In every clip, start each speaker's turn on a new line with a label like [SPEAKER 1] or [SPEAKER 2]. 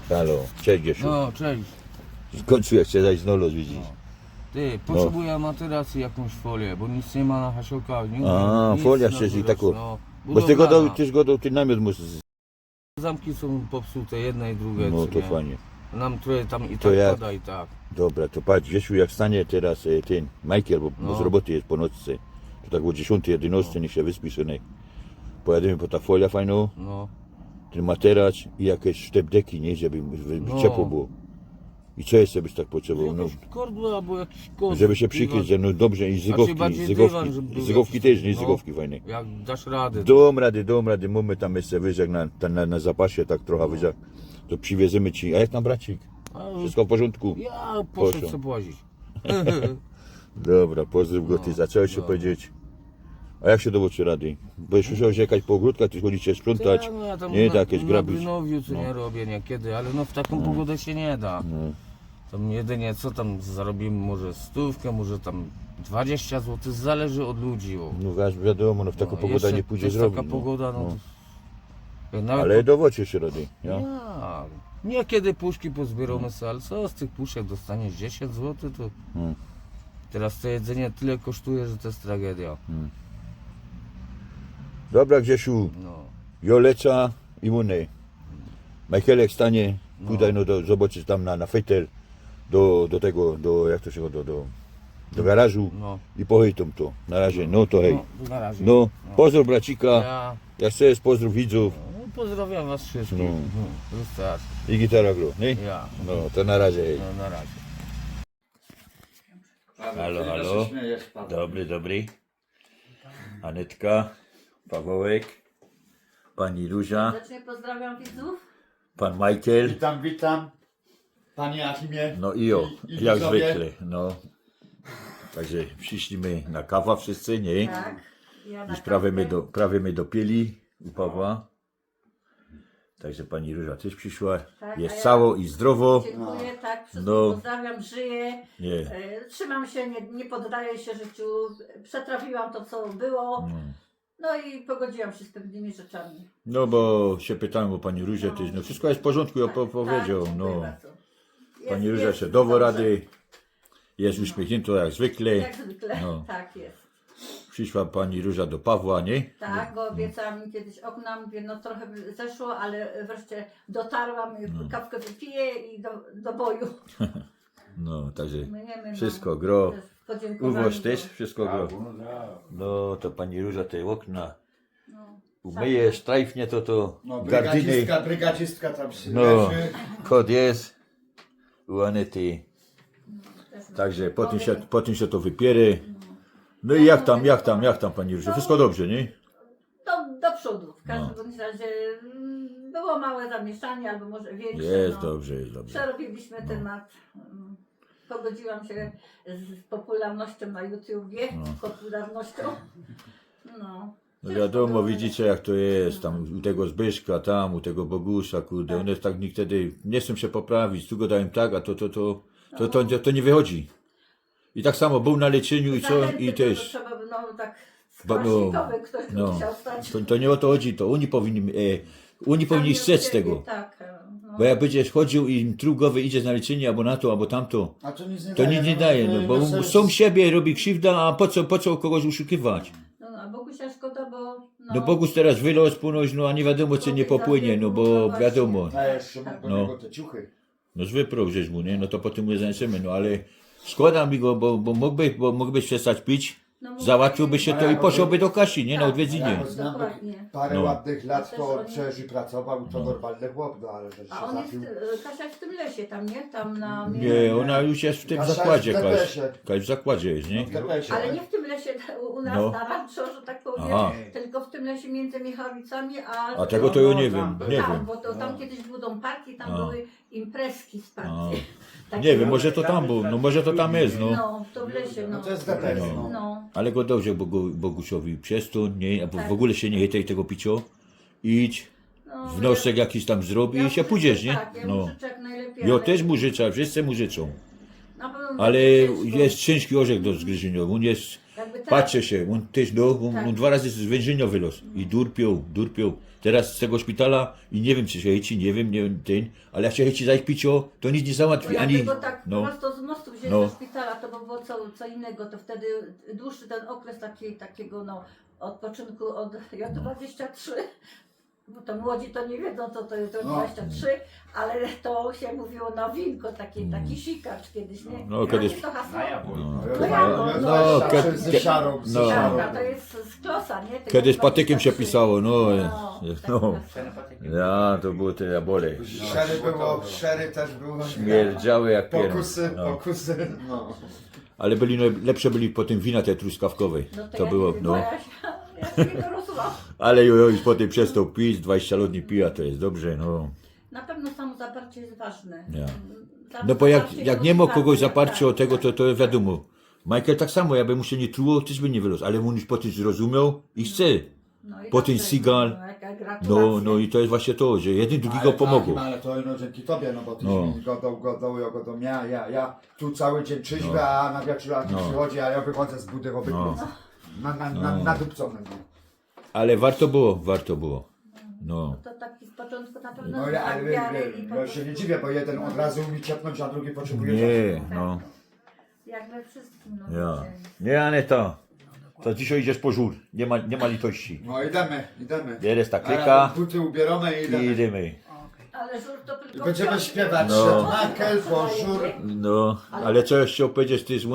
[SPEAKER 1] Halo, cześć Grzesiu.
[SPEAKER 2] No, cześć.
[SPEAKER 1] W końcu jak chcę zajść z Nolo, widzisz.
[SPEAKER 2] Ty, potrzebuję materacji, jakąś folię, bo nic nie ma na hasiołkach. Nie
[SPEAKER 1] A,
[SPEAKER 2] nic
[SPEAKER 1] folia
[SPEAKER 2] na
[SPEAKER 1] chcesz i
[SPEAKER 2] górę,
[SPEAKER 1] taką.
[SPEAKER 2] no,
[SPEAKER 1] Bo z tego
[SPEAKER 2] budowlana.
[SPEAKER 1] też go ten namiot musisz.
[SPEAKER 2] Zamki są popsute, jedne i drugie.
[SPEAKER 1] No
[SPEAKER 2] co
[SPEAKER 1] to
[SPEAKER 2] nie?
[SPEAKER 1] fajnie.
[SPEAKER 2] Nam trochę tam i
[SPEAKER 1] To
[SPEAKER 2] tak
[SPEAKER 1] jak?
[SPEAKER 2] pada i tak.
[SPEAKER 1] Dobra, to patrz Grzesiu, jak stanie teraz ten Michael, bo
[SPEAKER 2] No.
[SPEAKER 1] z roboty jest po nocce. To tak o 10, 11 niech się wyspi synek. Pojedziemy po ta folia fajną,
[SPEAKER 2] No,
[SPEAKER 1] ten materac i jakieś sztepdeki, nie, żeby
[SPEAKER 2] No.
[SPEAKER 1] ciepło było. I co jeszcze byś tak potrzebował? No,
[SPEAKER 2] jakieś kordły albo jakiś kod.
[SPEAKER 1] żeby się przykryć, że no dobrze i zygowki,
[SPEAKER 2] bardziej
[SPEAKER 1] zygowki,
[SPEAKER 2] dywan, żeby był
[SPEAKER 1] zygowki
[SPEAKER 2] jakiś-
[SPEAKER 1] też, nie
[SPEAKER 2] no.
[SPEAKER 1] zygowki fajne.
[SPEAKER 2] Jak dasz radę.
[SPEAKER 1] Dom rady, mamy tam jeszcze wyżek na zapasie, tak trochę wyżek, to przywiezymy ci. A jak tam bracik?
[SPEAKER 2] A,
[SPEAKER 1] Wszystko w porządku?
[SPEAKER 2] Ja poszedł
[SPEAKER 1] Poszło.
[SPEAKER 2] sobie łazić.
[SPEAKER 1] Dobra, pozdrów go, ty zacząłeś się
[SPEAKER 2] no.
[SPEAKER 1] powiedzieć. A jak się dowoczy rady? Bo już musiałeś jechać po ogródkach, ty chodzicie sprzątać,
[SPEAKER 2] No, ja tam
[SPEAKER 1] nie,
[SPEAKER 2] na,
[SPEAKER 1] tak jakieś
[SPEAKER 2] na
[SPEAKER 1] grabić.
[SPEAKER 2] Brynowiu co nie robię niekiedy, ale no w taką pogodę się nie da.
[SPEAKER 1] No.
[SPEAKER 2] Tam jedynie co tam zarobimy, może 100, może tam 20 zł, zależy od ludzi. O.
[SPEAKER 1] No wiadomo, no w taką
[SPEAKER 2] No,
[SPEAKER 1] pogodę
[SPEAKER 2] jeszcze
[SPEAKER 1] nie pójdzie
[SPEAKER 2] jest
[SPEAKER 1] zrobić.
[SPEAKER 2] taka
[SPEAKER 1] No.
[SPEAKER 2] pogoda, no.
[SPEAKER 1] No.
[SPEAKER 2] To, nawet
[SPEAKER 1] Ale dowocie się rady, ja?
[SPEAKER 2] ja, niekiedy puszki pozbieramy sobie, ale co z tych puszek dostaniesz 10 zł, to
[SPEAKER 1] Hmm.
[SPEAKER 2] teraz to jedzenie tyle kosztuje, że to jest tragedia.
[SPEAKER 1] Dobra Grzesiu,
[SPEAKER 2] No.
[SPEAKER 1] Joleca i Munej. Michaelek stanie, tutaj no zobaczysz tam na fejtel, do tego, jak to się do garażu
[SPEAKER 2] No.
[SPEAKER 1] i pohejtom to. Na razie, no to hej.
[SPEAKER 2] No, na razie.
[SPEAKER 1] No, pozdrów bracika,
[SPEAKER 2] Ja
[SPEAKER 1] jak chcesz, pozdrów widzów
[SPEAKER 2] no, pozdrawiam was wszystkich.
[SPEAKER 1] No.
[SPEAKER 2] Wystarczy.
[SPEAKER 1] i gitara gro, nie?
[SPEAKER 2] Ja.
[SPEAKER 1] No, to na razie, hej.
[SPEAKER 2] No, na razie.
[SPEAKER 1] Halo, halo. Dobry. Anetka, Pawełek, pani Róża,
[SPEAKER 3] Serdecznie pozdrawiam widzów.
[SPEAKER 1] pan Michael,
[SPEAKER 4] Witam, panie Achimie.
[SPEAKER 1] no i o,
[SPEAKER 4] I
[SPEAKER 1] jak
[SPEAKER 4] widzowie.
[SPEAKER 1] zwykle, no. Także przyszliśmy na kawa wszyscy, nie?
[SPEAKER 3] Tak. Ja
[SPEAKER 1] Już prawie my dopieli u Pawła. Także pani Róża też przyszła.
[SPEAKER 3] Tak,
[SPEAKER 1] Jest
[SPEAKER 3] a ja-
[SPEAKER 1] cało i zdrowo.
[SPEAKER 3] Dziękuję, tak, wszystkich
[SPEAKER 1] No.
[SPEAKER 3] pozdrawiam, żyję.
[SPEAKER 1] Nie.
[SPEAKER 3] Trzymam się, nie poddaję się życiu. Przetrafiłam to, co było. No i pogodziłam się z pewnymi rzeczami.
[SPEAKER 1] No bo się pytałem o pani Różę też. No wszystko jest w porządku, ja powiedział.
[SPEAKER 3] Tak,
[SPEAKER 1] No.
[SPEAKER 3] dziękuję bardzo. Jest-
[SPEAKER 1] Pani Róża
[SPEAKER 3] jest
[SPEAKER 1] się dało
[SPEAKER 3] dobrze.
[SPEAKER 1] rady. Jest uśmiechnięta jak zwykle.
[SPEAKER 3] Jak zwykle,
[SPEAKER 1] No.
[SPEAKER 3] tak jest.
[SPEAKER 1] Przyszła pani Róża do Pawła, nie?
[SPEAKER 3] Tak, bo obiecałam mi kiedyś okna, mówię, no trochę by zeszło, ale wreszcie dotarłam, kawkę wypiję i do boju.
[SPEAKER 1] No, także
[SPEAKER 3] Myjemy,
[SPEAKER 1] wszystko gro.
[SPEAKER 3] też podziękowanie
[SPEAKER 1] Uwoż
[SPEAKER 3] do-
[SPEAKER 1] też wszystko gro. No to pani Róża te okna
[SPEAKER 3] No.
[SPEAKER 1] umyje, sztrajfnie to
[SPEAKER 4] No,
[SPEAKER 1] gardyny.
[SPEAKER 4] brygadzistka tam się
[SPEAKER 1] No,
[SPEAKER 4] leży.
[SPEAKER 1] kod jest u Anety.
[SPEAKER 3] Też
[SPEAKER 1] Także po tym się to wypierę. No i jak tam pani Róża? Wszystko dobrze, nie?
[SPEAKER 3] do przodu. W każdym
[SPEAKER 1] No.
[SPEAKER 3] bądź razie było małe zamieszanie, albo może większe.
[SPEAKER 1] Jest
[SPEAKER 3] no.
[SPEAKER 1] dobrze, jest dobrze.
[SPEAKER 3] Przerobiliśmy temat. Pogodziłam się z popularnością na YouTubie, z popularnością. No.
[SPEAKER 1] No wiadomo, widzicie jak to jest, tam u tego Zbyszka, tam u tego Bogusa, kurde, one tak niekiedy nie chcą się poprawić, tu go dają tak, a to nie wychodzi. I tak samo był na leczeniu i co,
[SPEAKER 3] Zachęty
[SPEAKER 1] i
[SPEAKER 3] to
[SPEAKER 1] też.
[SPEAKER 3] Trzeba by, no tak
[SPEAKER 1] Bo- no,
[SPEAKER 3] skłaśnikowy ktoś by
[SPEAKER 1] no.
[SPEAKER 3] musiał stać.
[SPEAKER 1] To nie o to chodzi, to oni powinni
[SPEAKER 3] Sami
[SPEAKER 1] strzec
[SPEAKER 3] od siebie,
[SPEAKER 1] tego.
[SPEAKER 3] Tak, no.
[SPEAKER 1] Bo jak będziesz chodził i trugowy idziesz na leczenie albo na to, albo tamto,
[SPEAKER 4] A to nic nie
[SPEAKER 1] to nic nie daje, no bo są siebie robi krzywda, a po co kogoś oszukiwać?
[SPEAKER 3] No, a Bogusia szkoda, bo...
[SPEAKER 1] No Bogus teraz wylos ponoć, no a nie wiadomo czy nie popłynie, no bo wiadomo.
[SPEAKER 4] A jeszcze mam do
[SPEAKER 1] No.
[SPEAKER 4] niego te ciuchy.
[SPEAKER 1] No wyprął żeś mu, nie? No to potem mu zaniesiemy, no ale szkoda mi go, bo mógłbyś przestać pić,
[SPEAKER 3] No,
[SPEAKER 1] załatwiłby się to i poszłoby do Kasi, nie? Na
[SPEAKER 3] Tak,
[SPEAKER 1] odwiedzinie.
[SPEAKER 4] Ja go znam,
[SPEAKER 3] Dokładnie.
[SPEAKER 4] parę
[SPEAKER 1] No.
[SPEAKER 4] ładnych lat
[SPEAKER 3] też
[SPEAKER 4] to
[SPEAKER 3] oni-
[SPEAKER 4] przeżył, pracował, to normalny chłop, no ale że się
[SPEAKER 3] A on jest,
[SPEAKER 4] zapił.
[SPEAKER 3] Kasia jest w tym lesie tam, nie? Tam na...
[SPEAKER 1] Nie, ona już jest w tym
[SPEAKER 4] Kasia
[SPEAKER 1] zakładzie,
[SPEAKER 4] jest w
[SPEAKER 1] Kaś.
[SPEAKER 4] depesze.
[SPEAKER 1] Kaś w zakładzie jest, nie?
[SPEAKER 4] W depesze.
[SPEAKER 3] Ale nie w tym lesie u nas
[SPEAKER 1] No.
[SPEAKER 3] na rancho, że tak powiem,
[SPEAKER 1] Aha.
[SPEAKER 3] tylko w tym lesie między Michałowicami
[SPEAKER 1] A tego to ja nie wiem, nie
[SPEAKER 3] tak,
[SPEAKER 1] wiem.
[SPEAKER 3] bo to tam kiedyś był dom parki, tam
[SPEAKER 1] A.
[SPEAKER 3] były imprezki z
[SPEAKER 1] A.
[SPEAKER 3] partii. Takie-
[SPEAKER 1] Nie wiem, może to tam był, no może to tam jest, no.
[SPEAKER 3] No, to w lesie, no.
[SPEAKER 4] No to jest depesze,
[SPEAKER 1] No.
[SPEAKER 4] no.
[SPEAKER 3] No,
[SPEAKER 1] Ale go dobrze Bogusiowi przestąd, nie? A
[SPEAKER 3] Tak.
[SPEAKER 1] w ogóle się nie chytaj tego picio. Idź,
[SPEAKER 3] no.
[SPEAKER 1] wnosek jakiś tam zrobi
[SPEAKER 3] Ja
[SPEAKER 1] i się
[SPEAKER 3] mu
[SPEAKER 1] pójdziesz,
[SPEAKER 3] życzę,
[SPEAKER 1] nie?
[SPEAKER 3] Tak, ja
[SPEAKER 1] No.
[SPEAKER 3] mu życzę jak najlepiej.
[SPEAKER 1] Ja
[SPEAKER 3] ale
[SPEAKER 1] też mu życzę, wszyscy mu życzą.
[SPEAKER 3] na pewno
[SPEAKER 1] Ale
[SPEAKER 3] będzie ciężko.
[SPEAKER 1] jest ciężki orzech do zgryzienia. On jest,
[SPEAKER 3] Jakby teraz-
[SPEAKER 1] Patrzę się, on też, no,
[SPEAKER 3] Tak.
[SPEAKER 1] on 2 razy z więzienia wylazł. I durpią. Teraz z tego szpitala i nie wiem, czy się chęci, nie wiem, ten, ale jak się chęci zajść picio, to nic nie załatwi,
[SPEAKER 3] Bo
[SPEAKER 1] ani...
[SPEAKER 3] jakby go tak
[SPEAKER 1] No,
[SPEAKER 3] prosto z mostu wziąć
[SPEAKER 1] No.
[SPEAKER 3] do szpitala, to by było co innego, to wtedy dłuższy ten okres takiego odpoczynku od J23, bo to młodzi to nie wiedzą co to jest J23, ale to się mówiło na winko, taki sikacz kiedyś, nie?
[SPEAKER 1] No, kiedyś-
[SPEAKER 3] Jakie to hasło?
[SPEAKER 1] No,
[SPEAKER 4] ze szarą, ze
[SPEAKER 1] no.
[SPEAKER 4] szarą.
[SPEAKER 3] Siarka, to jest z klosa, nie? Tego
[SPEAKER 1] Kiedyś patykiem się
[SPEAKER 3] 23.
[SPEAKER 1] pisało, no,
[SPEAKER 3] tak
[SPEAKER 1] no.
[SPEAKER 3] jest.
[SPEAKER 1] Ja, to było te jabole.
[SPEAKER 4] Szery też było.
[SPEAKER 1] Śmierdziały jak pier...
[SPEAKER 4] Pokusy. No.
[SPEAKER 1] Ale byli, no, lepsze byli po tym wina tej truskawkowej.
[SPEAKER 3] No
[SPEAKER 1] To
[SPEAKER 3] ja
[SPEAKER 1] było,
[SPEAKER 3] nie wiem,
[SPEAKER 1] no.
[SPEAKER 3] bo ja się nie dorosłam.
[SPEAKER 1] Ale już potem przestał pić, 20 lat nie pija, to jest dobrze, no.
[SPEAKER 3] Na pewno samo zaparcie jest ważne.
[SPEAKER 1] Ja.
[SPEAKER 3] Samo
[SPEAKER 1] No bo jak
[SPEAKER 3] zaparcie
[SPEAKER 1] nie
[SPEAKER 3] i
[SPEAKER 1] ma kogoś
[SPEAKER 3] motywacja,
[SPEAKER 1] zaparcia o
[SPEAKER 3] tak,
[SPEAKER 1] tego,
[SPEAKER 3] tak.
[SPEAKER 1] to wiadomo. Michael tak samo, jakby mu się nie truło, też by nie wylazł, ale on już potem zrozumiał i chce.
[SPEAKER 3] No i
[SPEAKER 1] Potem
[SPEAKER 3] dobrze,
[SPEAKER 1] Seagal.
[SPEAKER 3] no, jaka gratulacja.
[SPEAKER 1] No i to jest właśnie to, że jeden drugiego pomogą.
[SPEAKER 4] Ale to no, dzięki tobie, no bo ty
[SPEAKER 1] No.
[SPEAKER 4] mi godą, ja tu cały dzień trzeźwy, a na wieczór
[SPEAKER 1] No.
[SPEAKER 4] przychodzi, a ja wychodzę z budy obydwu. Nadupcone.
[SPEAKER 1] Ale warto było. No.
[SPEAKER 3] To taki z początku na pewno
[SPEAKER 4] No
[SPEAKER 3] znak
[SPEAKER 4] ale
[SPEAKER 3] wiary i po
[SPEAKER 4] no, się nie
[SPEAKER 3] prostu-
[SPEAKER 4] dziwię, bo jeden od razu mi ciepnąć, a drugi potrzebuje
[SPEAKER 1] Nie,
[SPEAKER 4] czasu.
[SPEAKER 1] no.
[SPEAKER 3] Jak we wszystkim, no
[SPEAKER 1] Ja.
[SPEAKER 3] wiecie.
[SPEAKER 1] Nie, Aneta. To dzisiaj idziesz po żur. Nie ma litości.
[SPEAKER 4] No idziemy.
[SPEAKER 1] Bierzesz ta
[SPEAKER 4] A
[SPEAKER 1] klika
[SPEAKER 4] buty ubieramy i
[SPEAKER 1] i
[SPEAKER 4] idziemy.
[SPEAKER 1] idziemy.
[SPEAKER 3] Ale żur to tylko...
[SPEAKER 4] I będziemy
[SPEAKER 3] piątek.
[SPEAKER 4] śpiewać
[SPEAKER 1] No.
[SPEAKER 4] Makel, Bonjour.
[SPEAKER 1] No, ale co jeszcze powiedzieć, ty z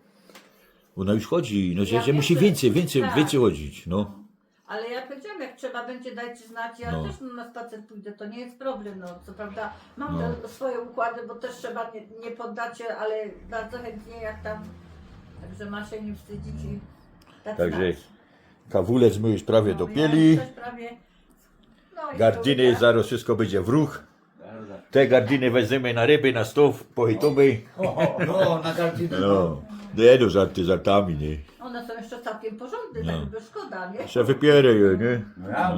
[SPEAKER 1] ona już chodzi, no że
[SPEAKER 3] Ja
[SPEAKER 1] musi
[SPEAKER 3] wiem, tak.
[SPEAKER 1] więcej chodzić, no.
[SPEAKER 3] Ale ja powiedziałam, jak trzeba będzie dać znać, ja
[SPEAKER 1] No.
[SPEAKER 3] też na spacer pójdę, to nie jest problem, no co prawda mam
[SPEAKER 1] No.
[SPEAKER 3] te swoje układy, bo też trzeba nie poddać się, ale bardzo chętnie jak tam, także ma się nie wstydzić i dać
[SPEAKER 1] Także
[SPEAKER 3] znać.
[SPEAKER 1] kawulec my już prawie
[SPEAKER 3] No,
[SPEAKER 1] dopieli,
[SPEAKER 3] ja też prawie, no i
[SPEAKER 1] gardiny,
[SPEAKER 3] to-
[SPEAKER 1] zaraz wszystko będzie w ruch. Te gardiny weźmiemy na ryby, na stoł, pochitomy.
[SPEAKER 4] No, na gardinę.
[SPEAKER 1] No, nie no, żarty żartami, nie.
[SPEAKER 3] One są jeszcze całkiem porządne,
[SPEAKER 1] No.
[SPEAKER 3] tak by szkoda, nie?
[SPEAKER 1] Jeszcze wypierę je, nie?
[SPEAKER 4] No ja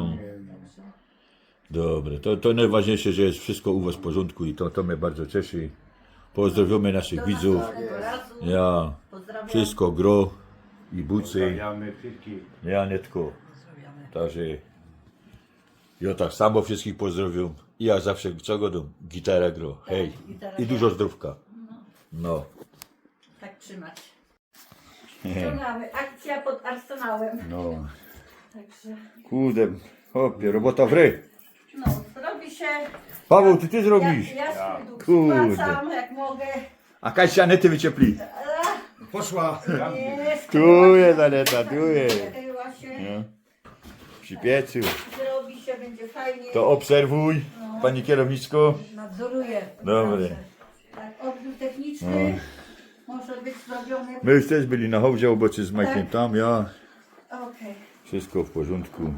[SPEAKER 1] Dobre, to najważniejsze, że jest wszystko u was w porządku i to mnie bardzo cieszy. Pozdrawiamy naszych
[SPEAKER 3] Do
[SPEAKER 1] widzów.
[SPEAKER 3] następnego razu.
[SPEAKER 1] Ja,
[SPEAKER 3] Pozdrawiam.
[SPEAKER 1] wszystko gro i bucy.
[SPEAKER 5] Pozdrawiamy wszystkich.
[SPEAKER 1] Nie, Anetko. Także ja tak samo wszystkich pozdrawiam. I ja zawsze co godą? Gitara gro. Hej.
[SPEAKER 3] gitara
[SPEAKER 1] I
[SPEAKER 3] gra.
[SPEAKER 1] dużo zdrówka. No.
[SPEAKER 3] Tak trzymać. To mamy akcja pod Arsenałem.
[SPEAKER 1] No.
[SPEAKER 3] Także,
[SPEAKER 1] Kurde, chłopie, robota w ry.
[SPEAKER 3] no, robi się.
[SPEAKER 1] Paweł, ty zrobisz.
[SPEAKER 3] Ja swój dług
[SPEAKER 1] Kurde.
[SPEAKER 3] spłacam, jak mogę.
[SPEAKER 1] A Kasia Anety wyciepli.
[SPEAKER 4] poszła.
[SPEAKER 3] Jest.
[SPEAKER 1] Tu jest Aneta, tu jest.
[SPEAKER 3] Chyba się.
[SPEAKER 1] No. Przy piecu.
[SPEAKER 3] Zrobi się, będzie fajnie.
[SPEAKER 1] To obserwuj, pani kierowniczko.
[SPEAKER 3] Nadzoruję.
[SPEAKER 1] Dobre.
[SPEAKER 3] Tak, odbiór techniczny może być zrobiony.
[SPEAKER 1] My już też byli na hołdzie oboczy z Majkiem tam, ja.
[SPEAKER 3] Okej.
[SPEAKER 1] Wszystko w porządku.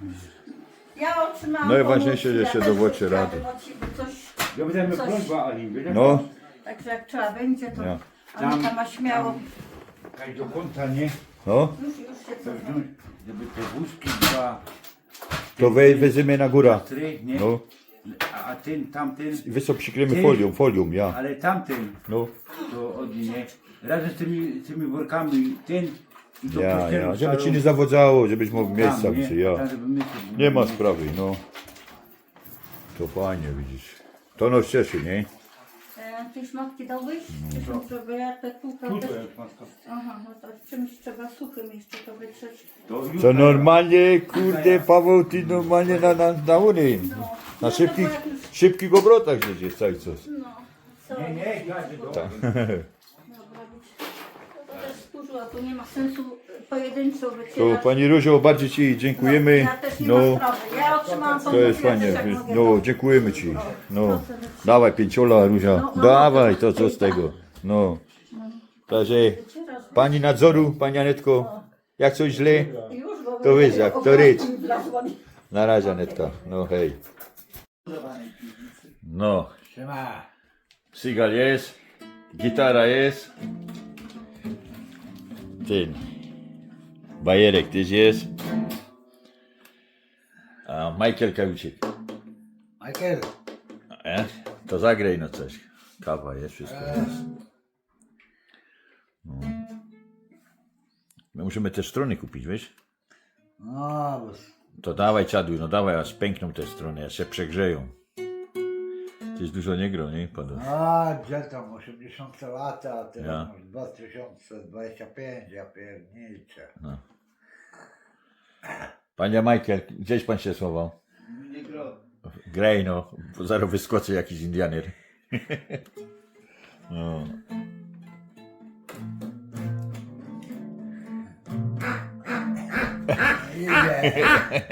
[SPEAKER 3] Ja otrzymałam
[SPEAKER 1] Najważniejsze,
[SPEAKER 3] pomoc,
[SPEAKER 1] że się
[SPEAKER 3] też
[SPEAKER 1] dowodzie
[SPEAKER 3] chciałabym
[SPEAKER 1] rady.
[SPEAKER 3] od siebie coś,
[SPEAKER 5] Ja będę
[SPEAKER 3] Coś.
[SPEAKER 5] prośba, Ali, będę
[SPEAKER 1] No,
[SPEAKER 3] także jak trzeba będzie, to
[SPEAKER 1] Ja.
[SPEAKER 3] Anita ma śmiało.
[SPEAKER 5] tak do kąta, nie?
[SPEAKER 1] no.
[SPEAKER 3] Już się
[SPEAKER 5] To
[SPEAKER 3] cofam.
[SPEAKER 5] wziąć, żeby te wózki dwa,
[SPEAKER 1] To weźmiemy na górę.
[SPEAKER 5] trzy, nie?
[SPEAKER 1] No.
[SPEAKER 5] A ten, tamten,
[SPEAKER 1] I wysoko przykryjemy folią, ja.
[SPEAKER 5] ale tamten,
[SPEAKER 1] No.
[SPEAKER 5] to od nie. Razem z tymi workami, ten i to
[SPEAKER 1] Ja,
[SPEAKER 5] pościelą
[SPEAKER 1] ja. Żeby
[SPEAKER 5] starą.
[SPEAKER 1] ci nie zawodzało, żebyś mógł
[SPEAKER 5] Tam,
[SPEAKER 1] miejsca
[SPEAKER 5] nie?
[SPEAKER 1] być, ja.
[SPEAKER 5] Tam, żeby miejsce było.
[SPEAKER 1] Nie ma sprawy, no. To fajnie, widzisz. To nas cieszy, nie?
[SPEAKER 3] Tej szmatki dałbyś? Żeby ja te kółka też... Aha, no to czymś trzeba suchym jeszcze to wytrzeć.
[SPEAKER 5] To już
[SPEAKER 1] To normalnie, kurde, Paweł, ty normalnie na ury. Na szybkich obrotach jedziesz cały czas.
[SPEAKER 3] No, co?
[SPEAKER 5] Nie, nie, ja się do...
[SPEAKER 3] Dobra, być. No to też skurzyła, tu nie ma sensu pojedynczo
[SPEAKER 1] To
[SPEAKER 3] wycierać.
[SPEAKER 1] pani Różo, bardzo ci dziękujemy.
[SPEAKER 3] Ja też nie
[SPEAKER 1] No,
[SPEAKER 3] ma sprawy. Ja otrzymałam
[SPEAKER 1] to jest
[SPEAKER 3] pomoc, ja
[SPEAKER 1] fajnie.
[SPEAKER 3] też jak mogę,
[SPEAKER 1] No,
[SPEAKER 3] to-
[SPEAKER 1] dziękujemy ci. No, dawaj 5, Róża.
[SPEAKER 3] No,
[SPEAKER 1] Dawaj, to co z tego. No. Także
[SPEAKER 3] wycierasz.
[SPEAKER 1] pani nadzoru, pani Anetko, jak coś źle,
[SPEAKER 3] Już, bo
[SPEAKER 1] to wiesz, jak to rycz.
[SPEAKER 3] Wlazłam.
[SPEAKER 1] Na razie Anetka. No hej. No,
[SPEAKER 5] Siema.
[SPEAKER 1] Seagal jest, gitara jest. Ten bajerek też jest. A Michael Kajuczyk.
[SPEAKER 4] Michael.
[SPEAKER 1] To zagraj no coś. Kawa jest, wszystko jest. No No musimy te strony kupić, wiesz?
[SPEAKER 4] No, bo...
[SPEAKER 1] To dawaj Czaduj, no dawaj, aż pękną te strony, aż się przegrzeją. Gdzieś dużo nie gro, nie? Pada.
[SPEAKER 4] A, gdzie tam 80 lata, a teraz
[SPEAKER 1] Ja.
[SPEAKER 4] masz 2025, ja pierniczę.
[SPEAKER 1] No. Panie Michael, gdzieś pan się schował?
[SPEAKER 5] Nie gro.
[SPEAKER 1] Graj no, bo zaraz wyskoczy jakiś Indianer. No.
[SPEAKER 4] Idzie.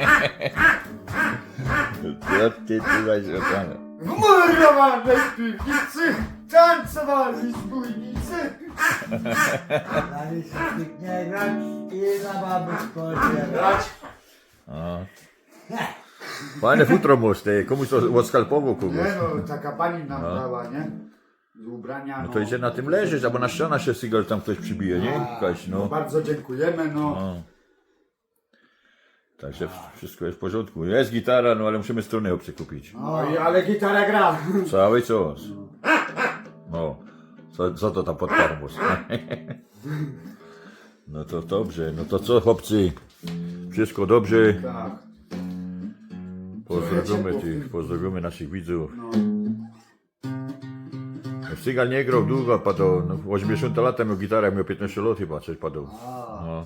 [SPEAKER 1] Co ty tutaj zrobione?
[SPEAKER 4] Murowane z piwnicy, tancowali zbójnicy. Na licznik nie grać i na baby spodziewać.
[SPEAKER 1] O. Fajne futro masz, ty. Komuś to odskalpował kogoś.
[SPEAKER 4] Nie no, taka pani nam dała, nie? Z ubrania,
[SPEAKER 1] No to idzie na tym leżeć, albo na ściana się Seagal tam ktoś przybije, nie? Jakaś,
[SPEAKER 4] No
[SPEAKER 1] no.
[SPEAKER 4] bardzo dziękujemy, no.
[SPEAKER 1] No. Także wszystko jest w porządku. Jest gitara, no ale musimy strunę obcy kupić.
[SPEAKER 4] No i ale gitara gra.
[SPEAKER 1] Cały czas. No. Co to tam pod karmus? No to dobrze. No to co, chłopcy? Wszystko dobrze.
[SPEAKER 4] Tak.
[SPEAKER 1] Pozdrowimy naszych widzów.
[SPEAKER 4] No.
[SPEAKER 1] Seagal nie grał długo, padał. No, 80 lata miał gitarę, jak miał 15 lat chyba, coś padał. No.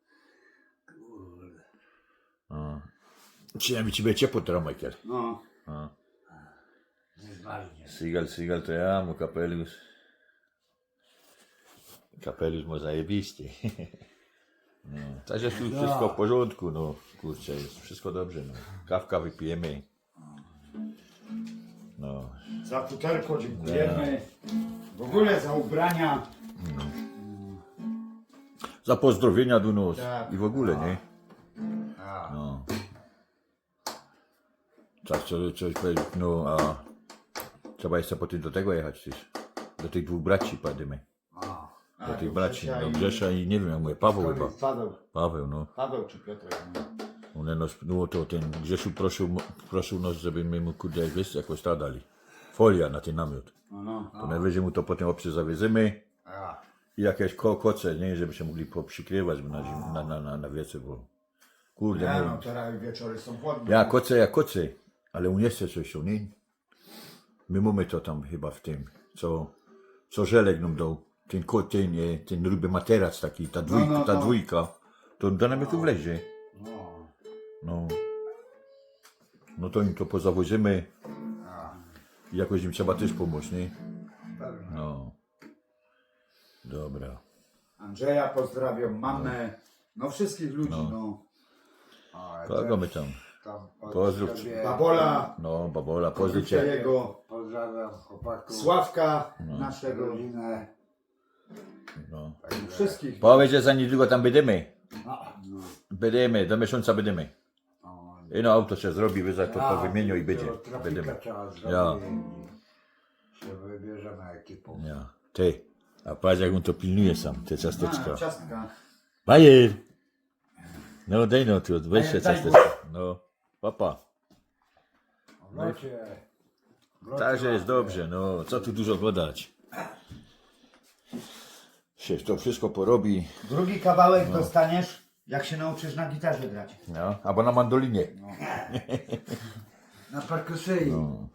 [SPEAKER 1] No. Przynajmniej ci będzie ciepło teraz, Michael.
[SPEAKER 4] No.
[SPEAKER 1] No.
[SPEAKER 4] Nie zmarznie.
[SPEAKER 1] Seagal to ja, mu kapelusz. Kapelusz ma zajebisty. No. Także tu wszystko w porządku, no. Kurczę, jest wszystko dobrze, no. Kawka wypijemy. No.
[SPEAKER 4] Za futerko dziękujemy. W ogóle za ubrania.
[SPEAKER 1] Za pozdrowienia do nas
[SPEAKER 4] Tak.
[SPEAKER 1] i w ogóle, nie?
[SPEAKER 4] A.
[SPEAKER 1] No. Tak, coś powiedzieć, no a trzeba jeszcze potem do tego jechać też. Do tych dwóch braci padymy.
[SPEAKER 4] A.
[SPEAKER 1] Do tych
[SPEAKER 4] to
[SPEAKER 1] braci,
[SPEAKER 4] Grzesia
[SPEAKER 1] do
[SPEAKER 4] i-
[SPEAKER 1] Grzesza i nie wiem jak mówię, Paweł chyba.
[SPEAKER 4] Paweł.
[SPEAKER 1] Paweł, no.
[SPEAKER 4] Paweł czy Piotrek. No.
[SPEAKER 1] One nas, no to ten Grzesiu prosił nas, żeby my mu kurde wiesz, jakoś ta dali. Folia na ten namiot.
[SPEAKER 4] No.
[SPEAKER 1] To najwyżej mu to potem obcy zawiezymy
[SPEAKER 4] A.
[SPEAKER 1] i jakieś koce, nie, żeby się mogli poprzykrywać na wiece, bo kurde,
[SPEAKER 4] Nie
[SPEAKER 1] nie
[SPEAKER 4] no,
[SPEAKER 1] wiem.
[SPEAKER 4] teraz wieczory są chłodne.
[SPEAKER 1] Ja koce, ale u nie chce coś, nie? My mamy to tam chyba w tym, co Żelek nam dał, ten ruby materac taki, ta dwójka, to do namiotu wlezie.
[SPEAKER 4] No.
[SPEAKER 1] No. No to im to pozawożymy i jakoś im trzeba też pomóc, nie?
[SPEAKER 4] Pewnie.
[SPEAKER 1] No. Dobra.
[SPEAKER 4] Andrzeja pozdrawiam, mamę. No wszystkich ludzi,
[SPEAKER 1] No.
[SPEAKER 4] no. A,
[SPEAKER 1] Kogo my tam?
[SPEAKER 6] Tam
[SPEAKER 1] Pozdrów.
[SPEAKER 4] Babola,
[SPEAKER 1] No, babola, pozdrów
[SPEAKER 4] Wrócia
[SPEAKER 1] cię.
[SPEAKER 4] jego,
[SPEAKER 6] Pozdrawiam chłopaków,
[SPEAKER 4] Sławka, naszego.
[SPEAKER 6] rodzinę.
[SPEAKER 1] No.
[SPEAKER 4] Wszystkich.
[SPEAKER 1] Powiedz, że za niedługo tam będziemy.
[SPEAKER 6] No.
[SPEAKER 1] Będziemy, do miesiąca będziemy.
[SPEAKER 6] No.
[SPEAKER 1] I no auto się zrobi, wy za to wymienią i będzie.
[SPEAKER 6] Trafika
[SPEAKER 1] Będziemy.
[SPEAKER 6] trzeba zrobić
[SPEAKER 1] Ja.
[SPEAKER 6] i się wybierzemy ekipą.
[SPEAKER 1] Ja. Ty. A patrz jak on to pilnuje sam, te ciasteczka.
[SPEAKER 4] Ciastka.
[SPEAKER 1] Bajer! No daj no tu, weź się
[SPEAKER 4] Daj,
[SPEAKER 1] ciasteczka. No. Papa.
[SPEAKER 6] W locie.
[SPEAKER 1] Także jest dobrze, no. Co tu dużo gadać. Się to wszystko porobi.
[SPEAKER 4] Drugi kawałek dostaniesz, jak się nauczysz na gitarze grać.
[SPEAKER 1] No. Albo na mandolinie.
[SPEAKER 6] Na perkusyi.
[SPEAKER 1] No.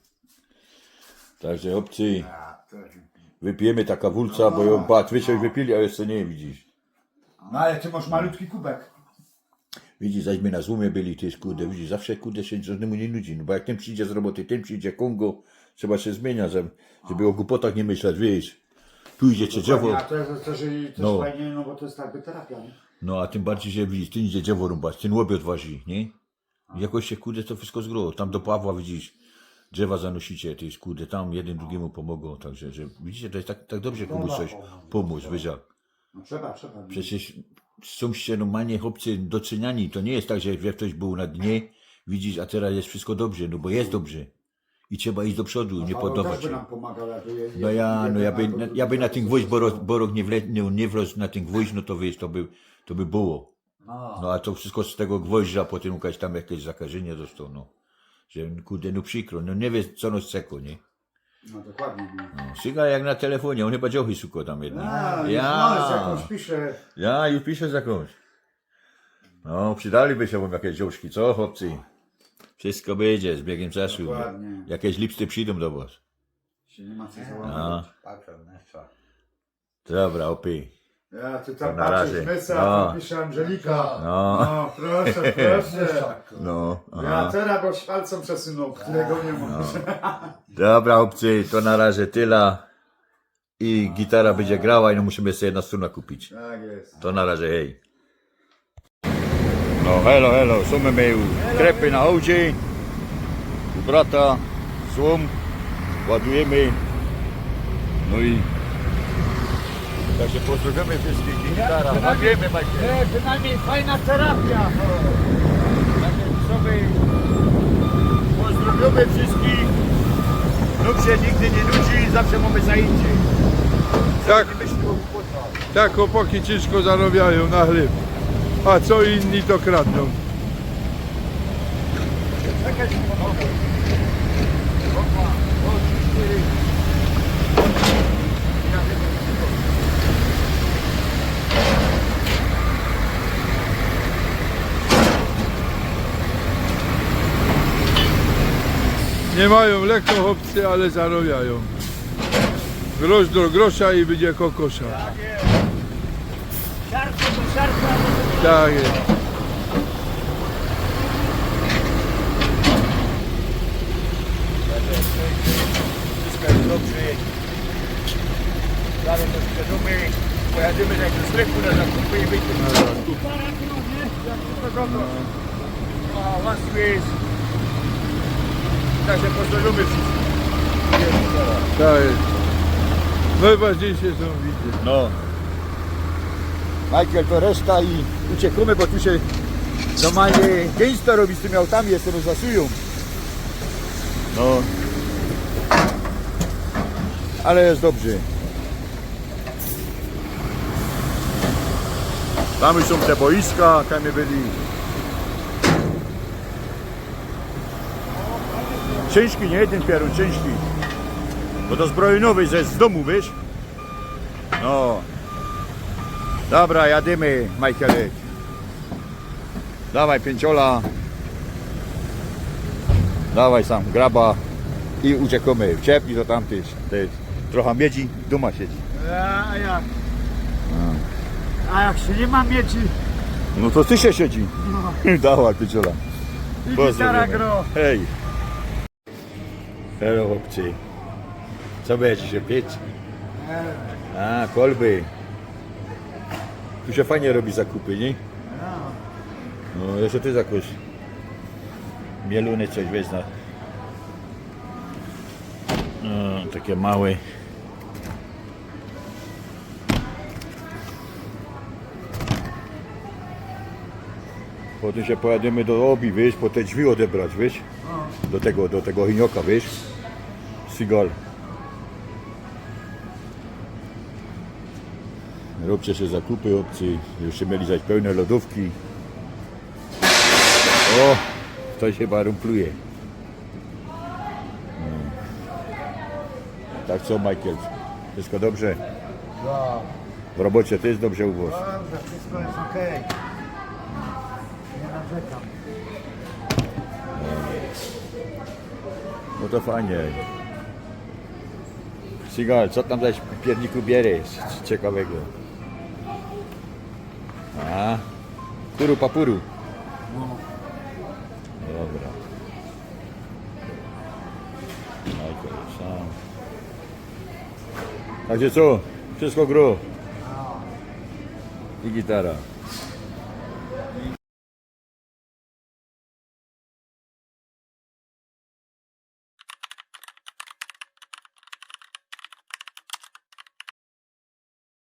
[SPEAKER 1] Także obcy.
[SPEAKER 6] A, to
[SPEAKER 1] Wypijemy taka wulca, bo ją patrz, wy się wypili, a jeszcze nie widzisz.
[SPEAKER 4] No ale ty masz malutki kubek.
[SPEAKER 1] Widzisz, zaśmy na złomie byli, ty kurde, widzisz, zawsze kurde się żadnemu nie nudzi, no bo jak ten przyjdzie z roboty, ten przyjdzie Kongo, trzeba się zmieniać, żeby o głupotach nie myśleć, wiesz. Tu idzie cię drzewo,
[SPEAKER 4] A to jest też
[SPEAKER 1] No.
[SPEAKER 4] fajnie, no bo to jest jakby terapia, nie?
[SPEAKER 1] no a tym bardziej, że widzisz, ten idzie drzewo rąbać, ten łobiot waży, nie? I jakoś się kurde to wszystko zgro, tam do Pawła widzisz, drzewa zanosicie, to jest kurde, tam jeden drugiemu pomogą, także, że widzicie, to jest tak dobrze komuś coś pomóc, wiesz jak.
[SPEAKER 4] No trzeba.
[SPEAKER 1] Przecież są się normalnie chłopcy doceniani. To nie jest tak, że jak ktoś był na dnie, widzisz, a teraz jest wszystko dobrze, no bo jest dobrze. I trzeba iść do przodu, nie
[SPEAKER 4] Paweł
[SPEAKER 1] poddawać
[SPEAKER 4] też by
[SPEAKER 1] się.
[SPEAKER 4] nam pomagał, jakby
[SPEAKER 1] No ja by na ten gwóźdź, borok nie wlazł na ten gwóźdź, no to wiesz, to by było. No a to wszystko z tego gwoździa, potem jakaś tam jakieś zakażenie dostał, no. Że kurde, no przykro, no nie wiesz co nos ceko, nie?
[SPEAKER 4] No dokładnie. No.
[SPEAKER 1] Syga jak na telefonie, on chyba dziochy suko tam jednak.
[SPEAKER 4] No, z jakąś pisze.
[SPEAKER 1] Ja już piszę z jakąś. No, przydaliby się wam jakieś dziążki, co chłopcy? Wszystko będzie z biegiem czasu.
[SPEAKER 4] Dokładnie.
[SPEAKER 1] Jakieś lipsty przyjdą do was.
[SPEAKER 4] Się nie ma co załamać.
[SPEAKER 1] No,
[SPEAKER 6] Patrzę, nie co.
[SPEAKER 1] dobra, opy.
[SPEAKER 4] Ja tu
[SPEAKER 1] To
[SPEAKER 4] tam
[SPEAKER 1] na
[SPEAKER 4] patrzę,
[SPEAKER 1] razie.
[SPEAKER 4] Mesa,
[SPEAKER 1] No.
[SPEAKER 4] tam pisze Angelika.
[SPEAKER 1] No.
[SPEAKER 4] No, proszę, proszę.
[SPEAKER 1] No,
[SPEAKER 4] Ja
[SPEAKER 1] aha.
[SPEAKER 4] teraz go palcem przesunął, którego nie ma.
[SPEAKER 1] Dobra, chłopcy, to na razie tyle. I gitara będzie grała i no musimy sobie jedna struna kupić.
[SPEAKER 4] Tak jest.
[SPEAKER 1] To na razie, hej. No, hello, są my u krepy na hołdzie. U brata, złom, ładujemy. No i także pozdrawiamy wszystkich gitara. Ładujemy, Majcie.
[SPEAKER 4] Przynajmniej fajna terapia.
[SPEAKER 1] Także sobie pozdrowiamy wszystkich. Nóg się nigdy nie nudzi, zawsze mamy zajęcie.
[SPEAKER 7] Tak,
[SPEAKER 1] Nie myśli o głupotach.
[SPEAKER 7] tak chłopaki ciężko zarabiają na chleb, a co inni to kradną. Nie mają lekko chłopcy, ale zarabiają. Grosz do grosza i będzie kokosza. Tak jest.
[SPEAKER 1] Wszystko jest dobrze. Zaraz to świadomy. Pojadziemy do sklepu na zakupy i wyjdziemy. A was tu jest. Także pozdrowiamy wszystkich.
[SPEAKER 7] Tak jest. Najważniejsze są widzę.
[SPEAKER 1] No. Michael to reszta i uciekamy, bo tu się normalnie gęsto robi z tymi autami, jeszcze nas zasują. No. Ale jest dobrze. Tam już są te boiska, tam my byli. Ciężki, nie jeden pierun, ciężki. Bo to zbrojeniowy z domu, wiesz? No. Dobra, jadymy, Michaelek. Dawaj pięciola. Dawaj sam, graba. I uciekamy. Wciepnij to tam też. Trochę miedzi, duma siedzi.
[SPEAKER 4] A jak się nie ma mieci,
[SPEAKER 1] No to ty się siedzi. Dawaj pięciola.
[SPEAKER 4] gitara gro.
[SPEAKER 1] Hej. Hello chłopcy. Co będzie się piec? A, kolby. Tu się fajnie robi zakupy, nie? No, jeszcze ty jakoś mieluny coś weź na... No, takie małe. Potem się pojadziemy do obi, wiesz, po te drzwi odebrać, wiesz? Do tego hinioka, wiesz? Sigal. Róbcie się zakupy, obcy. Jeszcze mieli zaś pełne lodówki. O, ktoś chyba rumpluje. No. Tak co, Michael? Wszystko dobrze? W robocie też dobrze u was?
[SPEAKER 4] Dobrze, wszystko jest okej. Nie narzekam.
[SPEAKER 1] No to fajnie. Sigal, co tam zaś w pierniku bierzesz ciekawego? A, puru papuru. Dobra. Michael sam. Także co? Wszystko gro. I gitara.